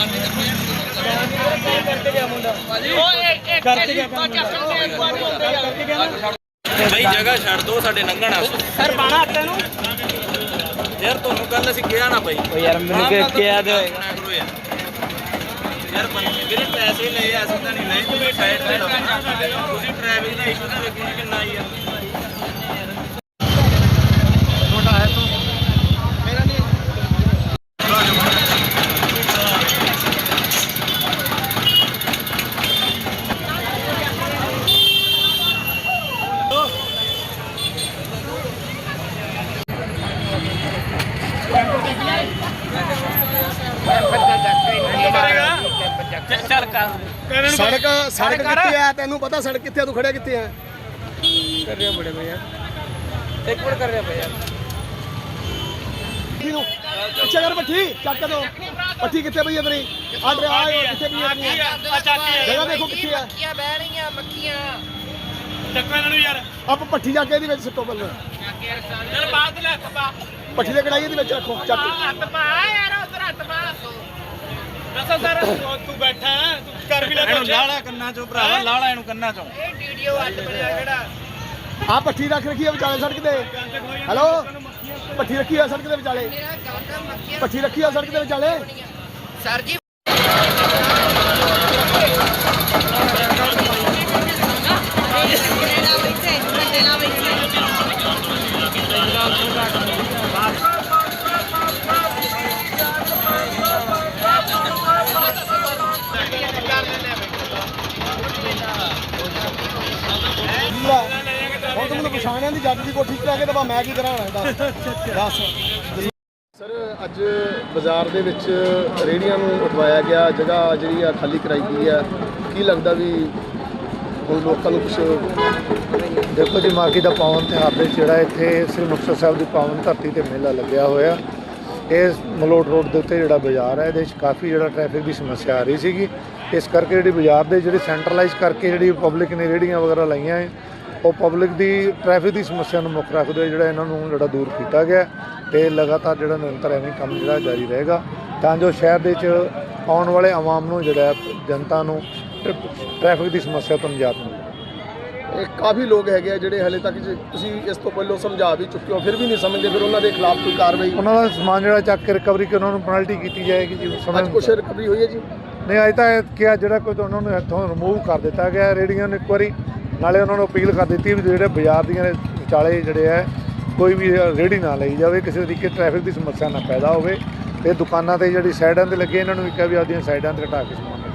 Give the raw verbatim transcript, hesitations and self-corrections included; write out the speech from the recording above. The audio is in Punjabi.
भाई जगह छड़ दो साडे लंघण सर पाना हत्ते नु यार ਤੁਹਾਨੂੰ ਕੱਲ ਅਸੀਂ ਕਿਹਾ ਨਾ ਭਾਈ ਓ ਯਾਰ ਮੈਨੂੰ ਕਿ ਕਿਹਾ ਦੇ ਯਾਰ ਮੇਰੇ ਪੈਸੇ ਲਏ ਅਸੀਂ ਤਾਂ ਨਹੀਂ ਲਏ ਤੁਸੀਂ ਸਾਈਡ ਤੇ ਤੁਸੀਂ ਟ੍ਰੈਵਲ ਦਾ ਇਸ਼ੂ ਤਾਂ ਵੇਖੋ ਕਿੰਨਾ ਆਈ ਆ ਛੋਟਾ ਹੈ ਤੂੰ ਮੇਰਾ ਨਹੀਂ सड़क सड़क कितने है तेन पता सड़क कितने तू खड़े कितने है कर रहे बड़े भैया एक मिनट कर रहे भैया पीछे कर पट्टी चक दो पट्टी कितने भैया तेरी आटे आए कितने भैया जगह देखो कितने है बह रही हैं मक्खियां ਚੱਕੋ ਇਹਨਾਂ ਨੂੰ ਯਾਰ ਆਪ ਪੱਠੀ ਜਾ ਕੇ ਇਹਦੇ ਵਿੱਚ ਸੁੱਟੋ ਬੱਲੇ ਚਲ ਬਾਅਦ ਲੈ ਹੱਥ ਪਾ ਪੱਠੀ ਦੇ ਕੜਾਈ ਦੇ ਵਿੱਚ ਰੱਖੋ ਚੱਕ ਹੱਥ ਪਾ ਯਾਰ ਉਧਰ ਹੱਥ ਪਾ ਦੱਸੋ ਸਰ ਤੂੰ ਬੈਠਾ ਤੂੰ ਕਰ ਵੀ ਲੈ ਇਹਨੂੰ ਲਾਲਾ ਕੰਨਾਂ ਚੋਂ ਭਰਾਵਾ ਲਾਲਾ ਇਹਨੂੰ ਕੰਨਾਂ ਚੋਂ ਇਹ ਵੀਡੀਓ ਅੱਡ ਬਣਿਆ ਜਿਹੜਾ ਆ ਪੱਠੀ ਰੱਖ ਰੱਖੀ ਆ ਵਿਚਾਲੇ ਸੜਕ ਤੇ ਹੈਲੋ ਪੱਠੀ ਰੱਖੀ ਆ ਸੜਕ ਦੇ ਵਿਚਾਲੇ ਪੱਠੀ ਰੱਖੀ ਆ ਸੜਕ ਦੇ ਵਿਚਾਲੇ ਸਰ ਜੀ ਪਛਾਣਿਆਂ ਦੀ ਜੱਟ ਦੀ ਕੋਠੀ ਚ ਲੈ ਕੇ ਤਾਂ ਮੈਂ ਕੀ ਕਰਾਂ ਦੱਸ ਦੱਸ ਸਰ ਅੱਜ ਬਾਜ਼ਾਰ ਦੇ ਵਿੱਚ ਰੇਹੜੀਆਂ ਨੂੰ ਉਠਵਾਇਆ ਗਿਆ ਜਗ੍ਹਾ ਜਿਹੜੀ ਆ ਖਾਲੀ ਕਰਾਈ ਗਈ ਆ ਕੀ ਲੱਗਦਾ ਵੀ ਹੁਣ ਲੋਕਾਂ ਨੂੰ ਕੁਛ ਦੇਖੋ ਜੀ ਮਾਘੀ ਦਾ ਪਾਵਨ ਤਿਉਹਾਰ ਦੇ ਜਿਹੜਾ ਇੱਥੇ ਸ੍ਰੀ ਮੁਕਤਸਰ ਸਾਹਿਬ ਦੀ ਪਾਵਨ ਧਰਤੀ ਤੇ ਮੇਲਾ ਲੱਗਿਆ ਹੋਇਆ ਇਸ ਮਲੋਟ ਰੋਡ ਦੇ ਉੱਤੇ ਜਿਹੜਾ ਬਾਜ਼ਾਰ ਹੈ ਇਹਦੇ ਵਿੱਚ ਕਾਫੀ ਜਿਹੜਾ ਟ੍ਰੈਫਿਕ ਦੀ ਸਮੱਸਿਆ ਆ ਰਹੀ ਸੀਗੀ ਇਸ ਕਰਕੇ ਜਿਹੜੀ ਬਾਜ਼ਾਰ ਦੇ ਜਿਹੜੇ ਸੈਂਟਰਲਾਈਜ਼ ਕਰਕੇ ਜਿਹੜੀ ਪਬਲਿਕ ਨੇ ਰੇਹੜੀਆਂ ਵਗੈਰਾ ਲਾਈਆਂ ਹੈ ਉਹ ਪਬਲਿਕ ਦੀ ਟ੍ਰੈਫਿਕ ਦੀ ਸਮੱਸਿਆ ਨੂੰ ਮੁੱਖ ਰੱਖਦੇ ਹੋਏ ਜਿਹੜਾ ਇਹਨਾਂ ਨੂੰ ਜਿਹੜਾ ਦੂਰ ਕੀਤਾ ਗਿਆ ਤੇ ਲਗਾਤਾਰ ਜਿਹੜਾ ਨਿਰੰਤਰ ਐਵੇਂ ਕੰਮ ਜਿਹੜਾ ਜਾਰੀ ਰਹੇਗਾ ਤਾਂ ਜੋ ਸ਼ਹਿਰ ਦੇ ਵਿੱਚ ਆਉਣ ਵਾਲੇ ਆਵਾਮ ਨੂੰ ਜਿਹੜਾ ਜਨਤਾ ਨੂੰ ਟ੍ਰੈਫਿਕ ਦੀ ਸਮੱਸਿਆ ਤੋਂ ਨਿਜਾਤ ਮਿਲੇ ਇਹ ਕਾਫੀ ਲੋਕ ਹੈਗੇ ਆ ਜਿਹੜੇ ਹਲੇ ਤੱਕ ਤੁਸੀਂ ਇਸ ਤੋਂ ਪਹਿਲਾਂ ਸਮਝਾ ਵੀ ਚੁੱਕੇ ਹੋ ਫਿਰ ਵੀ ਨਹੀਂ ਸਮਝਦੇ ਫਿਰ ਉਹਨਾਂ ਦੇ ਖਿਲਾਫ ਕੋਈ ਕਾਰਵਾਈ ਉਹਨਾਂ ਦਾ ਸਮਾਨ ਜਿਹੜਾ ਚੱਕ ਕੇ ਰਿਕਵਰੀ ਕੇ ਉਹਨਾਂ ਨੂੰ ਪੈਨਲਟੀ ਕੀਤੀ ਜਾਏਗੀ ਜੀ ਸਮਝ ਕੁਛ ਰਿਕਵਰੀ ਹੋਈ ਹੈ ਜੀ ਨਹੀਂ ਅਜੇ ਤਾਂ ਕਿਹਾ ਜਿਹੜਾ ਕੋਈ ਉਹਨਾਂ ਨੂੰ ਇੱਥੋਂ ਰਿਮੂਵ ਕਰ ਦਿੱਤਾ ਗਿਆ ਰੇਹੜੀਆਂ ਨੂੰ ਇੱਕ ਵਾਰੀ ਨਾਲੇ ਉਹਨਾਂ ਨੂੰ ਅਪੀਲ ਕਰ ਦਿੱਤੀ ਵੀ ਜਿਹੜੇ ਬਾਜ਼ਾਰ ਦੀਆਂ ਵਿਚਾਲੇ ਜਿਹੜੇ ਹੈ ਕੋਈ ਵੀ ਰੇਹੜੀ ਨਾ ਲਈ ਜਾਵੇ ਕਿਸੇ ਤਰੀਕੇ ਟ੍ਰੈਫਿਕ ਦੀ ਸਮੱਸਿਆ ਨਾ ਪੈਦਾ ਹੋਵੇ ਤੇ ਦੁਕਾਨਾਂ ਤੇ ਜਿਹੜੀ ਸਾਈਡਾਂ ਤੇ ਲੱਗੇ ਇਹਨਾਂ ਨੂੰ ਵੀ ਕਿਹਾ ਵੀ ਆਪਦੀਆਂ ਸਾਈਡਾਂ ਤੇ ਹਟਾ ਕੇ ਸਮਾਨ